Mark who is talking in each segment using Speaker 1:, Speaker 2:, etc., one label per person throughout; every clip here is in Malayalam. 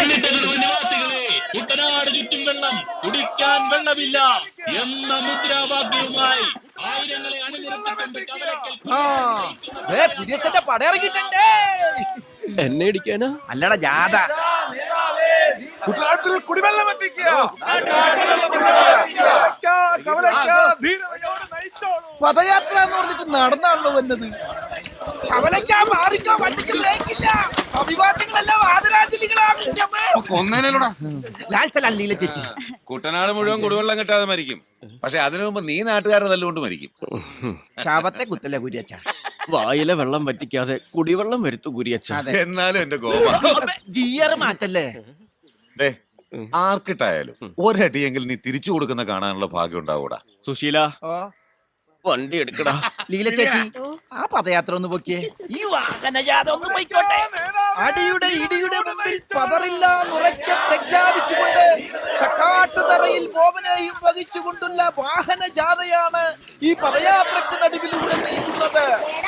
Speaker 1: നിവാസികളെ, കുട്ടനാട് ചുറ്റും വെള്ളം, കുടിക്കാൻ വെള്ളമില്ല എന്ന മുദ്രാവാക്യവുമായി ആയിരങ്ങളെ അണിനിരത്തിക്കൊണ്ട് കവലയ്ക്കൽ
Speaker 2: കുര്യച്ചന്റെ പടയിറങ്ങിട്ടുണ്ട്.
Speaker 3: എന്നെ ഇടിക്കാനാ?
Speaker 2: അല്ലടാ ജാഥ.
Speaker 4: കുട്ടനാട്ടിൽ കുടിവെള്ളം എത്തിക്കുക.
Speaker 2: പദയാത്ര എന്ന് പറഞ്ഞിട്ട് നടന്നാണല്ലോ വന്നത്. കവലയ്ക്കാ മാറിക്കോ, വണ്ടിക്ക് ബ്രേക്കില്ല. അഭിവാദ്യങ്ങളെല്ലാം
Speaker 4: കൊന്നേനല്ലോടാ
Speaker 2: ചേച്ചി.
Speaker 5: കുട്ടനാട് മുഴുവൻ കുടിവെള്ളം കിട്ടാതെ മരിക്കും. പക്ഷെ അതിനു മുമ്പ് നീ നാട്ടുകാരനെ തല്ലുകൊണ്ട് മരിക്കും.
Speaker 2: ശവത്തെ കുത്തല്ലേ കുര്യച്ച.
Speaker 3: വായിലെ വെള്ളം വറ്റിക്കാതെ കുടിവെള്ളം വരുത്തു കുര്യച്ച.
Speaker 5: എന്നാലും എന്റെ ഗോപ
Speaker 2: ഗിയർ മാറ്റല്ലേ.
Speaker 5: ദേ, ആർക്കിട്ടായാലും ഒരടിയെങ്കിൽ നീ തിരിച്ചു കൊടുക്കുന്ന കാണാനുള്ള ഭാഗ്യം ഉണ്ടാവൂടാ.
Speaker 3: സുശീല, വണ്ടി എടുക്കടാ.
Speaker 2: ലീല ചേച്ചി, ആ പദയാത്ര ഒന്ന് പൊക്കിയേ. ഈ വാഹനജാഥ ഒന്ന് പോയിക്കോട്ടെ. അടിയുടെ ഇടിയുടെ മുമ്പിൽ പതറില്ലാന്നുറക്കെ പ്രഖ്യാപിച്ചുകൊണ്ട് ചക്കാട്ടുതറയിൽ ബോബനെയും വഹിച്ചുകൊണ്ടുള്ള വാഹനജാഥയാണ് ഈ പദയാത്രക്ക് നടുവിലൂടെ നീങ്ങുന്നത്.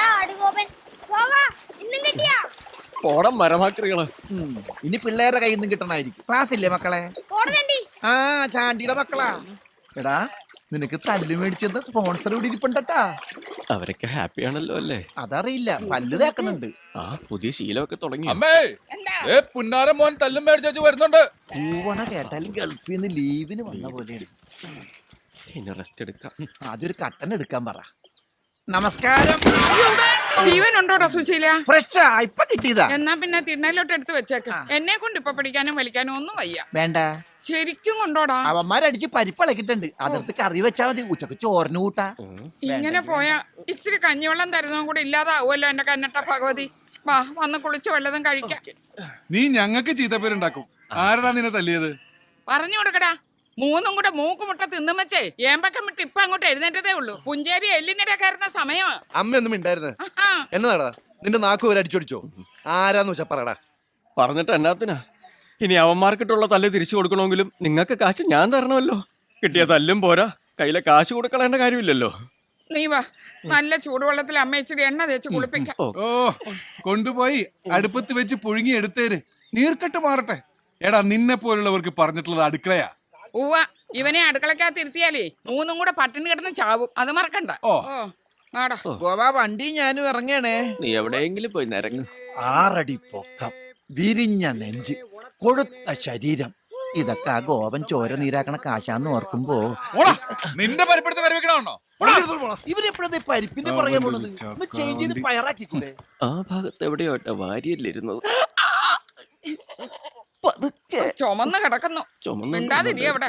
Speaker 3: ഓടം മരമാക്രികള്.
Speaker 2: ഇനി പിള്ളേരുടെ കയ്യിൽ നിന്ന് കിട്ടണായിരിക്കും. ക്ലാസ് ഇല്ലേ മക്കളെ? ആ ചാണ്ടിയുടെ മക്കളാ. എടാ, നിനക്ക് തല്ല് മേടിച്ചത് സ്പോൺസർ ഇവിടെ ഇരിപ്പുണ്ടട്ടാ.
Speaker 3: അവരൊക്കെ ഹാപ്പിയാണല്ലോ അല്ലേ?
Speaker 2: അതറിയില്ല, പല്ല് തേക്കണുണ്ട്.
Speaker 3: ആ പുതിയ ശീലമൊക്കെ തുടങ്ങി.
Speaker 4: അമ്മേ, പുന്നാരം മോൻ തല്ലും മേടിച്ചു വരുന്നുണ്ട്.
Speaker 2: പൂവണ കേട്ടാൽ ഗൾഫിൽ നിന്ന് ലീവിന് വന്ന പോലെയാണ്.
Speaker 3: ഇനി റെസ്റ്റ് എടുക്കാം.
Speaker 2: അതൊരു കട്ടൻ എടുക്കാൻ പറ. നമസ്കാരം.
Speaker 6: ജീവൻ ഉണ്ടോടാ സുശീല?
Speaker 2: ഫ്രഷാ, ഇപ്പൊ കിട്ടിയതാ.
Speaker 6: എന്നാ പിന്നെ തിണ്ണയിലോട്ട് എടുത്ത് വെച്ചേക്കാം. എന്നെ കൊണ്ട് ഇപ്പൊ പിടിക്കാനും വലിക്കാനും ഒന്നും വയ്യ.
Speaker 2: വേണ്ട,
Speaker 6: ശരിക്കും കൊണ്ടോടാ.
Speaker 2: അവന്മാരടിച്ച് പരിപ്പിളക്കിട്ടുണ്ട്. അതിർത്ത് കറി വെച്ചാ മതി. ഉച്ചക്ക് ചോറിന് കൂട്ടാ.
Speaker 6: ഇങ്ങനെ പോയാ ഇച്ചിരി കഞ്ഞിവെള്ളം തരുന്നതും കൂടെ ഇല്ലാതാവുമല്ലോ എന്റെ കന്നട്ട ഭഗവതി. വാ, വന്ന് കുളിച്ച് വല്ലതും കഴിക്കാം.
Speaker 4: നീ ഞങ്ങൾക്ക് ചീത്തപ്പേരുണ്ടാക്കും. ആരടാ നിന്നെ തല്ലിയത്?
Speaker 6: പറഞ്ഞു കൊടുക്കടാ. മൂന്നും കൂടെ മൂക്കുമുട്ട തിന്നും വെച്ചേ ഏമ്പക്കം വിട്ട് ഇപ്പൊ അങ്ങോട്ട് എഴുന്നേറ്റതേ ഉള്ളൂ. പുഞ്ചേരി എല്ലിനിടെ കയറുന്ന സമയമാ.
Speaker 7: അമ്മയൊന്നും ഉണ്ടായിരുന്നേ. എന്നതാടാ നിന്റെ നാക്ക് വരെ അടിച്ചോടിച്ചോ? ആരാന്ന് വെച്ചാ പറയടാ.
Speaker 3: പറഞ്ഞിട്ട് എന്നാത്തിനാ? ഇനി അവന്മാർക്കിട്ടുള്ള തല്ല് തിരിച്ചു കൊടുക്കണമെങ്കിലും നിങ്ങൾക്ക് കാശ് ഞാൻ തരണമല്ലോ. കിട്ടിയ തല്ലും പോരാ, കയ്യിലെ കാശ് കൊടുക്കളേണ്ട കാര്യമില്ലല്ലോ.
Speaker 6: നീ വാ, നല്ല ചൂടുവെള്ളത്തിൽ അമ്മ ഇച്ചിരി എണ്ണ തേച്ച് കുളിപ്പിക്കാം.
Speaker 4: ഓ, കൊണ്ടുപോയി അടുപ്പത്ത് വെച്ച് പുഴുങ്ങി എടുത്തേര്. നീർക്കെട്ട് മാറട്ടെ. എടാ, നിന്നെ പോലുള്ളവർക്ക് പറഞ്ഞിട്ടുള്ളത് അടുക്കളയാ.
Speaker 6: ഉവ്വ, ഇവനെ അടുക്കളക്കകത്ത് ഇരുത്തിയാലേ മൂന്നും കൂടെ പട്ടിണി കിടന്ന് ചാവും. അത് മറക്കണ്ട.
Speaker 2: ഗോവാ, വണ്ടി ഞാനും ഇറങ്ങണേ.
Speaker 3: നീ എവിടെയെങ്കിലും പോയി നിരങ്ങ്.
Speaker 2: 6 അടി പൊക്കം, വിരിഞ്ഞ നെഞ്ച്, കൊഴുത്ത ശരീരം. ഇതൊക്കെ ആ ഗോപൻ ചോര നീരാക്കണ കാശാന്ന് ഓർക്കുമ്പോ
Speaker 4: നിന്റെ പരിപ്പെടുത്ത് കറി വെക്കണോ?
Speaker 2: ഇവരെപ്പോഴത്തെ പരിപ്പിന്റെ പറയാൻ പോണത്? ഒന്ന് ചേഞ്ച് ചെയ്ത് പയറാക്കിക്കൂടെ?
Speaker 3: ആ ഭാഗത്ത് എവിടെയോട്ടെ വാരിയല്ലിരുന്നത്.
Speaker 6: ചുമന്ന് കിടക്കുന്നു. മിണ്ടാതിരി അവിടെ.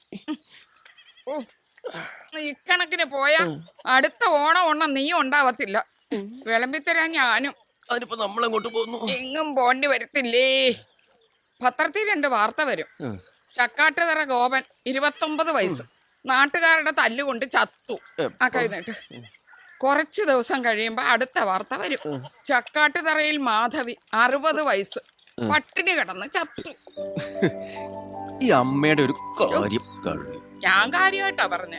Speaker 6: ഇക്കണക്കിന് പോയാ അടുത്ത ഓണം നീ ഉണ്ടാവത്തില്ല. വിളമ്പിത്തരാൻ ഞാനും.
Speaker 3: അതിനിപ്പോ നമ്മളെങ്ങോട്ട് പോകുന്നു?
Speaker 6: എങ്ങും പോണ്ടി വരത്തില്ലേ. പത്രത്തിൽ 2 വാർത്ത വരും. ചക്കാട്ടുതറ ഗോപൻ 29 വയസ്സ് നാട്ടുകാരുടെ തല്ലുകൊണ്ട് ചത്തു. ആ കഴിഞ്ഞിട്ട് കുറച്ച് ദിവസം കഴിയുമ്പോ അടുത്ത വാർത്ത വരും. ചക്കാട്ടുതറയിൽ മാധവി 60 വയസ്സ് പട്ടിണി കിടന്ന് ചത്തു.
Speaker 3: ഈ അമ്മയുടെ ഒരു കാര്യം കഴിഞ്ഞു.
Speaker 6: ഞാൻ കാര്യമായിട്ടാ പറഞ്ഞേ.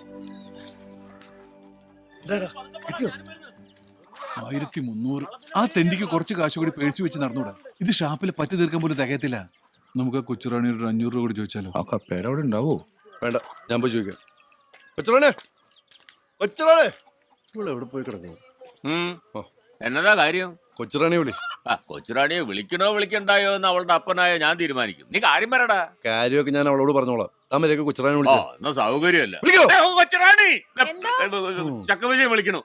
Speaker 4: 1300. ആ തെണ്ടിക്ക് കുറച്ച് കാശ് കൂടി പേഴ്സ് വെച്ച് നടന്നൂടാ. ഇത് ഷാപ്പിൽ പറ്റി തീർക്കാൻ പോലും തികയത്തില്ല. നമുക്ക് കൊച്ചുറാണി ഒരു 500 രൂപ കൂടി ചോദിച്ചാലോ?
Speaker 7: ആ പേരവിടെ ഉണ്ടാവോ? വേണ്ട, ഞാൻ പോയി ചോദിക്കാം. കൊച്ചുറാണേ, കൊച്ചുറാണേ, ഇവിടെ എവിടെ പോയി കിടക്കുന്നു?
Speaker 5: എന്നതാ കാര്യം?
Speaker 7: കൊച്ചുറാണി വിളി.
Speaker 5: കൊച്ചുറാണിയെ വിളിക്കണോ വിളിക്കണ്ടായോ എന്ന് അവളുടെ അപ്പനായ ഞാൻ തീരുമാനിക്കും. നീ കാര്യം പറയടാ.
Speaker 7: കാര്യമൊക്കെ ഞാൻ അവളോട് പറഞ്ഞോളാം. താമരയൊക്കെ കൊച്ചുറാണി വിളിച്ചോ?
Speaker 5: എന്നാ സൗകര്യമല്ല.
Speaker 7: കൊച്ചുറാണി
Speaker 5: ചക്കവിജയം വിളിക്കണു.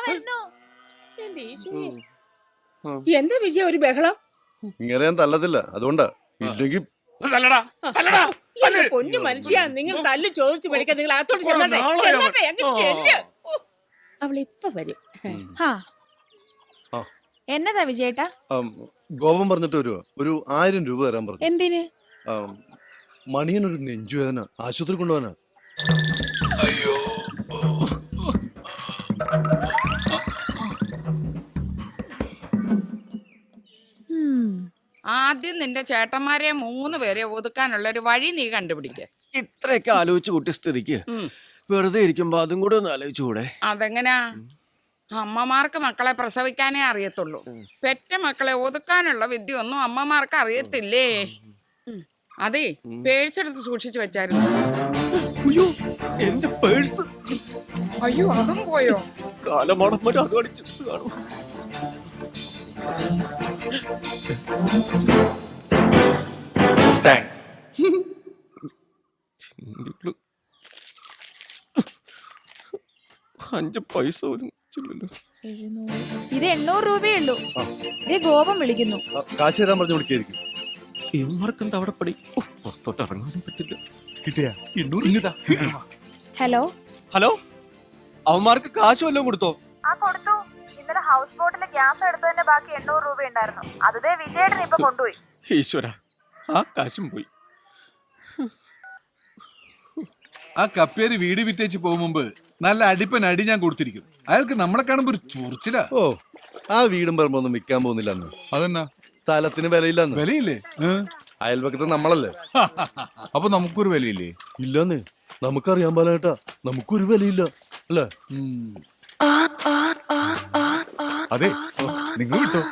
Speaker 8: എന്താ വിജയ ഒരു ബഹളം?
Speaker 7: ഇങ്ങനെ ഞാൻ തല്ലത്തില്ല, അതുകൊണ്ടാ. ഇല്ലെങ്കിൽ
Speaker 8: പൊന്നു മനുഷ്യ, നിങ്ങൾ തല്ല് ചോദിച്ചു മേടിക്കാൻ നിങ്ങൾ അകത്തോട്ട് ചെല്ലട്ടെ. അവളിപ്പൊ വരും.
Speaker 9: എന്നതാ വിജയേട്ടാ?
Speaker 7: ഗോപം പറഞ്ഞിട്ട് വരുവാ. ഒരു 1000 രൂപ തരാൻ പറഞ്ഞു.
Speaker 9: എന്തിന്?
Speaker 7: മണിയനൊരു നെഞ്ചുവേദന, ആശുപത്രി കൊണ്ടുപോകാനാ.
Speaker 4: അയ്യോ,
Speaker 6: ആദ്യം നിന്റെ ചേട്ടന്മാരെ 3 പേരെ ഒതുക്കാനുള്ള ഒരു വഴി നീ കണ്ടുപിടിക്ക.
Speaker 3: ഇത്രയൊക്കെ ആലോചിച്ച് കൂട്ടിയ സ്ഥിതിക്ക് വെറുതെ ഇരിക്കുമ്പോ അതും കൂടെ ഒന്ന് ആലോചിച്ചുകൂടെ?
Speaker 6: അതെങ്ങനാ? അമ്മമാർക്ക് മക്കളെ പ്രസവിക്കാനേ അറിയത്തുള്ളൂ. പെറ്റ മക്കളെ ഒതുക്കാനുള്ള വിദ്യ ഒന്നും അമ്മമാർക്ക് അറിയത്തില്ലേ. അതെ പേഴ്സെടുത്ത് സൂക്ഷിച്ചു വെച്ചായിരുന്നു.
Speaker 3: അയ്യോ എന്റെ പേഴ്സ്
Speaker 6: അയ്യോ അതും പോയോ?
Speaker 3: കാലമടമ്മ അത് അടിച്ചിട്ട് കാണും.
Speaker 5: താങ്ക്സ്.
Speaker 3: 5 പൈസ പോലും ചില്ലല്ലോ.
Speaker 9: ഇത് 800 രൂപയേ ഉള്ളൂ. ഇതേ ഗോപം വിളിക്കുന്നു.
Speaker 7: കാശ് തരാൻ പറഞ്ഞു വിളിക്കായിരിക്കും.
Speaker 3: ഇവന്മാർക്ക് എന്താ അവിടെ പടി? പുറത്തോട്ട് ഇറങ്ങാനും പറ്റില്ല.
Speaker 7: കിട്ടിയാ
Speaker 9: ഹലോ
Speaker 3: ഹലോ, അവന്മാർക്ക് കാശ് വല്ലതും കൊടുത്തോ?
Speaker 9: കൊടുത്തു. ഇന്നലെ ഹൗസ് ബോട്ടിലെ ഗ്യാസ് എടുത്തതിന്റെ ബാക്കി 800 രൂപ ഉണ്ടായിരുന്നു. അതേ വിജയേട്ടൻ ഇപ്പൊ കൊണ്ടുപോയി.
Speaker 3: ഈശ്വര, ആ കാശും പോയി.
Speaker 4: ആ കപ്പേര് വീട് വിറ്റേച്ച് പോകും മുമ്പ് നല്ല അടിപ്പൻ അടി ഞാൻ കൊടുത്തിരിക്കും. അയാൾക്ക് നമ്മളെ കാണുമ്പോ ഒരു ചൊറിച്ചില.
Speaker 7: ഓ, ആ വീടും പറമ്പൊന്നും വിൽക്കാൻ പോകുന്നില്ല അന്ന്.
Speaker 4: അതെന്നാ
Speaker 7: സ്ഥലത്തിന് വിലയില്ലെന്ന്.
Speaker 4: വിലയില്ലേ?
Speaker 7: അയൽപക്കത്ത് നമ്മളല്ലേ.
Speaker 4: അപ്പൊ നമുക്കൊരു വിലയില്ലേ?
Speaker 7: ഇല്ലെന്ന് നമുക്കറിയാൻ പാലേട്ടാ, നമുക്കൊരു വിലയില്ല അല്ലേ?
Speaker 5: അതെ, നിങ്ങൾ വിട്ടോ.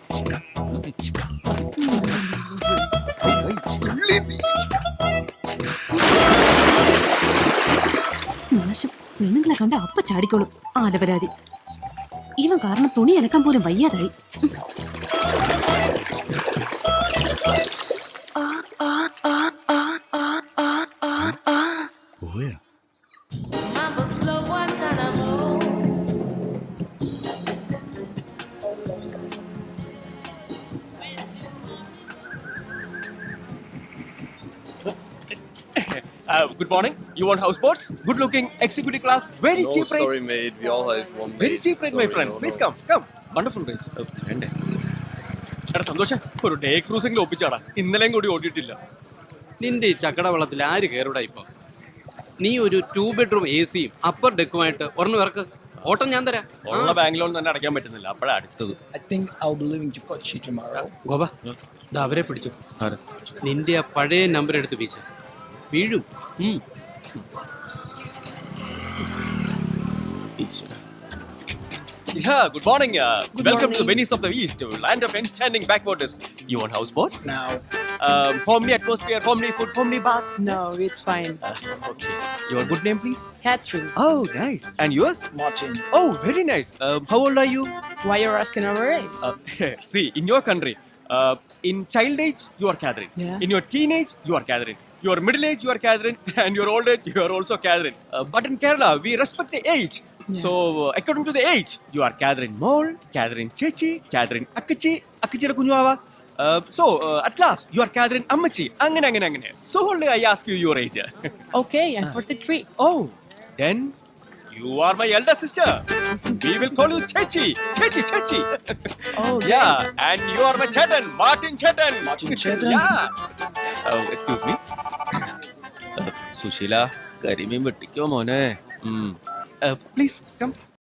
Speaker 10: നാശം, പെണ്ണുങ്ങളെ കണ്ട അപ്പ ചാടിക്കോളും. ആലപരാതി. ഇവൻ കാരണം തുണി അലക്കാൻ പോലും വയ്യാതായി.
Speaker 4: പോയാ
Speaker 3: Good morning. You want houseboats? Good looking, executive class, very cheap rates.
Speaker 7: mate. We all have one.
Speaker 3: Very cheap rate, my friend. Please come. Wonderful rates. വേണ്ടേ? എടാ സന്തോഷം, ഒരു ഡേ ക്രൂസിംഗിൽ ഒപ്പിച്ചാടാ. ഇന്നലെയും കൂടി ഓടിയിട്ടില്ല.
Speaker 11: നിന്റെ ഈ ചക്കട വെള്ളത്തിൽ ആര് കയറൂടാ ഇപ്പൊ? നീ ഒരു 2 ബെഡ്റൂം AC അപ്പർ ഡെക്കുമായിട്ട് ഒരെണ്ണം ഇറക്ക്. ഓട്ടം ഞാൻ തരാം.
Speaker 3: ഉള്ള ബാങ്ക് ലോൺ തന്നെ അടയ്ക്കാൻ പറ്റുന്നില്ല. അപ്പോഴാണ് അടുത്തത്.
Speaker 11: ഗോപ, ഇത് അവരെ പിടിച്ചു. നിന്റെ ആ പഴയ നമ്പർ എടുത്ത് വീശ വീഴും.
Speaker 3: Yeah, good morning. Welcome to the Venice of the East, land of enchanting backwaters. You want houseboats?
Speaker 9: No.
Speaker 3: Homely atmosphere, homely food, homely bath.
Speaker 9: No, it's fine.
Speaker 3: Okay. Your good name, please?
Speaker 9: Catherine.
Speaker 3: Oh, nice. And yours?
Speaker 9: Martin.
Speaker 3: Oh, very nice. How old are you?
Speaker 9: Why you're asking our age?
Speaker 3: See, in your country, in child age, you are Catherine.
Speaker 9: Yeah.
Speaker 3: In your teenage, you are Catherine. Your middle age, you are Catherine. And your old age, you are also Catherine. But in Kerala, we respect the age.
Speaker 9: Yeah.
Speaker 3: So, according to the age, you are Catherine Mole, Catherine Chechi, Catherine Akachi, Akachiയുടെ കുഞ്ഞുവാവ. So, at last, you are Catherine Ammachi. അങ്ങനെ. So, only I ask you your age.
Speaker 9: Okay, I'm 43.
Speaker 3: Oh, then you are my elder sister. We will call you Chechi. Chechi.
Speaker 9: Oh,
Speaker 3: Yeah, and you are my Chetan, Martin Chetan. Yeah. Excuse me. Susheela, കരിമീൻ വെട്ടിക്കോ മോനെ. Please come.